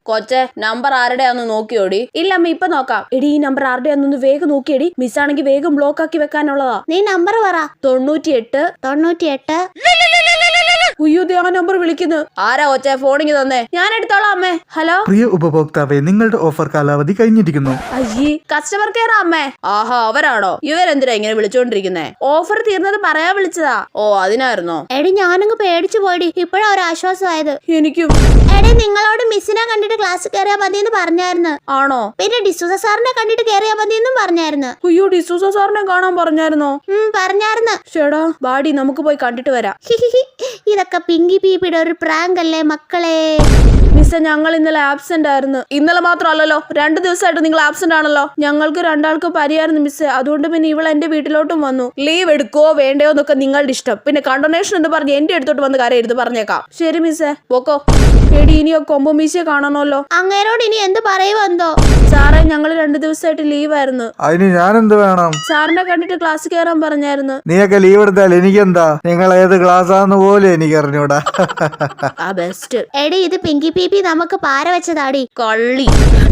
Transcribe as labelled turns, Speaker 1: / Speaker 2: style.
Speaker 1: കൊച്ചെ number ആരുടെയാന്ന് നോക്കിയോടി? ഇല്ല അമ്മ ഇപ്പൊ നോക്കാം. എടി ഈ നമ്പർ ആരുടെയാന്നൊന്ന് വേഗം നോക്കിയടി. മിസ്സാണെങ്കിൽ വേഗം ബ്ലോക്ക് ആക്കി വെക്കാനുള്ളതാ.
Speaker 2: നീ നമ്പർ പറ.
Speaker 1: 98. ഉയ്യോ ആ നമ്പർ വിളിക്കുന്നു. ആരാ കൊച്ചെ ഫോണിങ് തന്നെ? ഞാൻ എടുത്തോളാം അമ്മേ. ഹലോ
Speaker 3: പ്രിയ ഉപഭോക്താവെ, നിങ്ങളുടെ ഓഫർ കാലാവധി കഴിഞ്ഞിരിക്കുന്നു.
Speaker 1: അയ്യേ കസ്റ്റമർ കെയർ അമ്മേ. ആഹാ അവരാണോ? ഇവരെന്തിനാ ഇങ്ങനെ വിളിച്ചോണ്ടിരിക്കുന്നേ? ഓഫർ തീർന്നത് പറയാൻ വിളിച്ചതാ. ഓ അതിനായിരുന്നോ?
Speaker 2: എടി ഞാനങ്ങ് പേടിച്ചു പോയി. ഇപ്പഴാ ഒരു ആശ്വാസമായത്.
Speaker 1: എനിക്കും.
Speaker 2: എടി നിങ്ങളോട് മിസ്സിനെ കണ്ടിട്ട് ക്ലാസ് കയറിയാ മതിയെന്ന് പറഞ്ഞായിരുന്നു.
Speaker 1: ആണോ?
Speaker 2: പിന്നെ ഡിസൂസ സാറിനെ കണ്ടിട്ട് കയറിയാ മതിയെന്നും പറഞ്ഞായിരുന്നു.
Speaker 1: അയ്യോ ഡിസൂസ സാറിനെ കാണാൻ പറഞ്ഞായിരുന്നോ?
Speaker 2: പറഞ്ഞായിരുന്നു.
Speaker 1: ചേടാ ബാഡി നമുക്ക് പോയി കണ്ടിട്ട് വരാം.
Speaker 2: ഇതൊക്കെ പിങ്കി പീപ്പിയുടെ ഒരു പ്രാങ്ക് അല്ലേ മക്കളെ?
Speaker 1: മിസ്സേ ഞങ്ങൾ ഇന്നലെ ആബ്സെന്റ് ആയിരുന്നു. ഇന്നലെ മാത്രമല്ലല്ലോ 2 ദിവസമായിട്ട് നിങ്ങൾ ആബ്സെന്റ് ആണല്ലോ. ഞങ്ങൾക്ക് 2 പരിയായിരുന്നു മിസ്സേ. അതുകൊണ്ട് പിന്നെ ഇവൾ എന്റെ വീട്ടിലോട്ടും വന്നു. ലീവ് എടുക്കോ വേണ്ടയോ എന്നൊക്കെ നിങ്ങളുടെ ഇഷ്ടം. പിന്നെ കണ്ടോണേഷൻ എന്ന് പറഞ്ഞ് എന്റെ അടുത്തോട്ട് വന്ന് കരയരുത് പറഞ്ഞേക്കാം. ശരി മിസ്സേ പോക്കോ. എടി ഇനിയോ കൊമ്പോ മീശയെ കാണണമല്ലോ.
Speaker 2: അങ്ങേരോട് ഇനി എന്ത് പറയുമെന്തോ.
Speaker 1: സാറേ ഞങ്ങൾ 2 ദിവസമായിട്ട് ലീവായിരുന്നു.
Speaker 3: അതിന് ഞാൻ എന്ത് വേണം?
Speaker 1: സാറിനെ കണ്ടിട്ട് ക്ലാസ് കയറാൻ പറഞ്ഞായിരുന്നു.
Speaker 3: നീയൊക്കെ ലീവ് എടുത്താൽ എനിക്കെന്താ? നിങ്ങൾ ഏത് ക്ലാസ്സാന്ന് പോലും എനിക്ക് അറിഞ്ഞൂടാ.
Speaker 1: ബെസ്റ്റ്.
Speaker 2: എടി ഇത് പിങ്കി പീപ്പി നമുക്ക് പാര വെച്ചതാടി.
Speaker 1: കള്ളി.